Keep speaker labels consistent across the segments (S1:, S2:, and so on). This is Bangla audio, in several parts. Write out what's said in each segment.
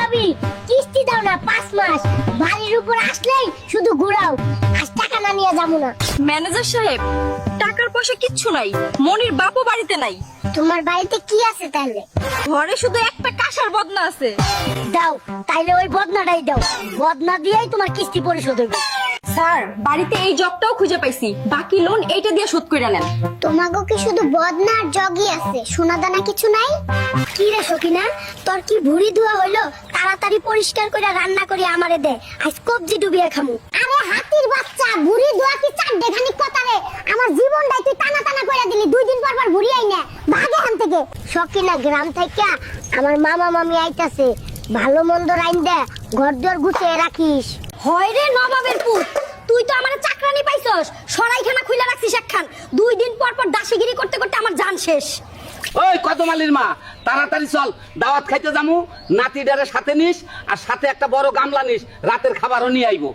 S1: ভাবি কিস্তি দাও না 5 মাস, বাড়ির উপর আসলেই শুধু ঘুরাও, আজ টাকা না নিয়ে যাবো না।
S2: ম্যানেজার সাহেব, টাকার পয়সা কিচ্ছু নাই, মনির বাপও বাড়িতে নাই।
S1: তোমার বাড়িতে কি আছে তাহলে?
S2: ঘরে শুধু একটা কাঁসার বদনা আছে।
S1: দাও, তাইলে ওই বদনাটাই দাও, বদনা দিয়েই তোমার কিস্তি পরিশোধ হবে।
S2: স্যার, বাড়িতে এই জগটাও খুঁজে পাইছি, বাকি লোন এইটা দিয়ে শোধ করে নেন।
S1: তোমাগো কি শুধু বদনা আর জগই আছে, সোনা দানা কিছু নাই? কি রে সকিনা, তোর কি ভুড়ি ধোয়া হইলো? তাড়াতাড়ি পরিষ্কার করে রান্না করে আমারে দে, আজ কবজি ডুবিয়ে খামু। আরে হাতির বাচ্চা, ভুড়ি ধোয়া কি চার দেখানি কথা রে? আমার জীবনটাই তুই টানা টানা করে দিলি, 2 দিন পর পর ভুড়ি আই না, ভাগ এখান থেকে। সকিনা, গ্রাম থেকে আমার মামা মামি আইতাছে, ভালো মন্দ রাইন দে, ঘর দুয়ার গুছিয়ে রাখিস।
S2: হয় রে নবাবের পুত, তুই তো আমার চাকরানি পাইছস, সরাইখানা খুইলা রাখছিস একখান। 2 দিন পর পর দাসিগিরি করতে করতে আমার জান শেষ।
S3: ওই কদমালির মা, তাড়াতাড়ি চল, দাওয়াত খাইতে যামু। নাতিটারে সাথে নিস, আর সাথে একটা বড় গামলা নিস, রাতের খাবারও নিয়ে আইবো।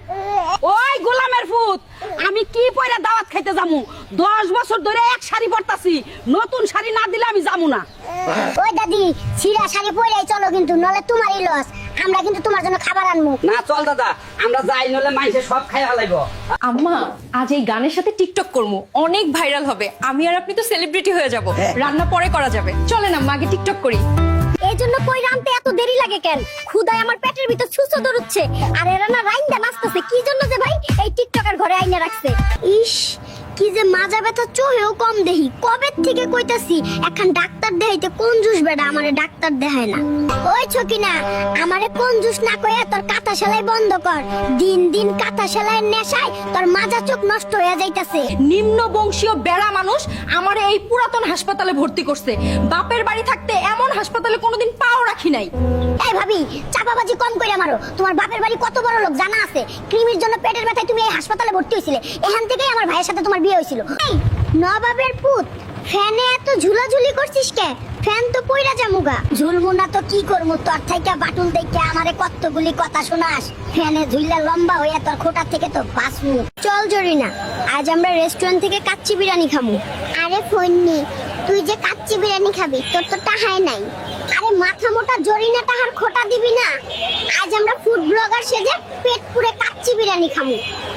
S2: ওই গোলামের ফুত, আমি কি পয়লা দাওয়াত খাইতে যামু? 10 বছর ধরে এক শাড়ি পরতাছি, নতুন শাড়ি না দিলে আমি যামু না।
S1: ওই দাদি, ছিঁড়া শাড়ি পরেই চলো, কিন্তু নলে তোমারই লস, আমরা কিন্তু তোমার জন্য খাবার আনবো।
S3: না চল দাদা, আমরা যাই, নলে মাইসে সব খাই হালাইব।
S2: আম্মা, আজ এই গানের সাথে টিকটক করবো, অনেক ভাইরাল হবে, আমি আর আপনি তো সেলিব্রিটি হয়ে যাব। রান্না পরে করা যাবে, চলেন আম্মা আগে টিকটক করি।
S1: এই জন্য কই রানতে এত দেরি লাগে কেন? ক্ষুধায় আমার পেটের ভিতর ছুঁচো দৌড়চ্ছে, আর এরা না রাইন্দা নাচতেছে কি জন্য যে ভাই? এই টিকটকার ঘরে আইনা রাখছে। ইস, কি যে মাজা ব্যথা, চোহেও কম দেহি, কবে থেকে কইতাছি এখন ডাক্তার দেখাইতে। কোন জুস বেডা আমারে ডাক্তার দেখায় না। ওই ছকিনা, আমারে কোন জুস না কইয়া তোর কাঁথা সেলাই বন্ধ কর। দিন দিন কাঁথা সেলাইয়ের নেশায় তোর মাজা চোখ নষ্ট হয়ে যাইতাছে।
S2: নিম্ন বংশীয় বেড়া মানুষ আমার এই পুরাতন হাসপাতালে ভর্তি করছে। বাপের বাড়ি থাকতে এমন হাসপাতালে কোনোদিন পাও রাখি নাই।
S1: এই ভাবি, চাপাবাজি কম করে মারো। তোমার বাপের বাড়ি কত বড় লোক জানা আছে? কৃমির জন্য পেটের ব্যথায় তুমি এই হাসপাতালে ভর্তি হয়েছিলে, এখান থেকেই আমার ভাইয়ের সাথে তোমার বিয়ে হয়েছিল। এই নবাবের পুত, ফ্যানে এত ঝুলাঝুলি করছিস কে? ফ্যান তো পইরা যামুগা। ঝুলমু না তো কি করমু? তোর থাইকা বাটুল দেখে আমারে কতগুলি কথা শোনাস। ফ্যানে ঝুললে লম্বা হইয়া তোর খোটা থেকে তো বাঁচমু। চল জরিনা, আজ আমরা রেস্টুরেন্ট থেকে কাচ্চি বিরিয়ানি খামু। আরে ফন্নি, তুই যে কাচ্চি বিরিয়ানি খাবি, তোর তো টাহাই নাই। আরে মাথা মোটা জরিনা, টাহার খোটা দিবি না। আজ আমরা ফুড ব্লগার সেজে পেট পুরে কাচ্চি বিরিয়ানি খামু।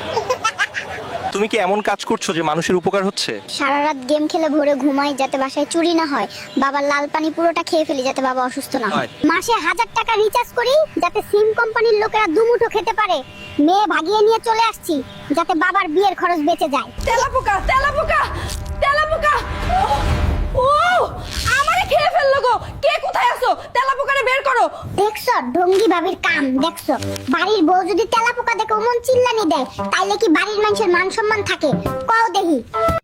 S4: তুমি কি এমন কাজ করছো যে মানুষের উপকার হচ্ছে?
S1: সারা রাত গেম খেলে ভোরে ঘুমাই যাতে বাসায় চুরি না হয়, বাবার লাল পানি পুরোটা খেয়ে ফেলি যাতে বাবা অসুস্থ না হয়, মাসে 1000 টাকা রিচার্জ করি যাতে সিম কোম্পানির লোকেরা দুমুঠো খেতে পারে, মেয়ে ভাগিয়ে নিয়ে চলে আসছি যাতে বাবার বিয়ের খরচ বেঁচে যায়।
S2: তেলাপোকা, তেলাপোকা, তেলাপোকা! ও, আমারে খেয়ে ফেললো গো! কে কোথায় আছো? তেলাপোকারে বের করো।
S1: দেখছো ঢঙ্গি ভাবির কাম? দেখছো, বাড়ির বউ যদি তেলাপোকা দেখে ওমন চিল্লানি দেয়, তাইলে কি বাড়ির মানুষের মান সম্মান থাকে? কও দেখি।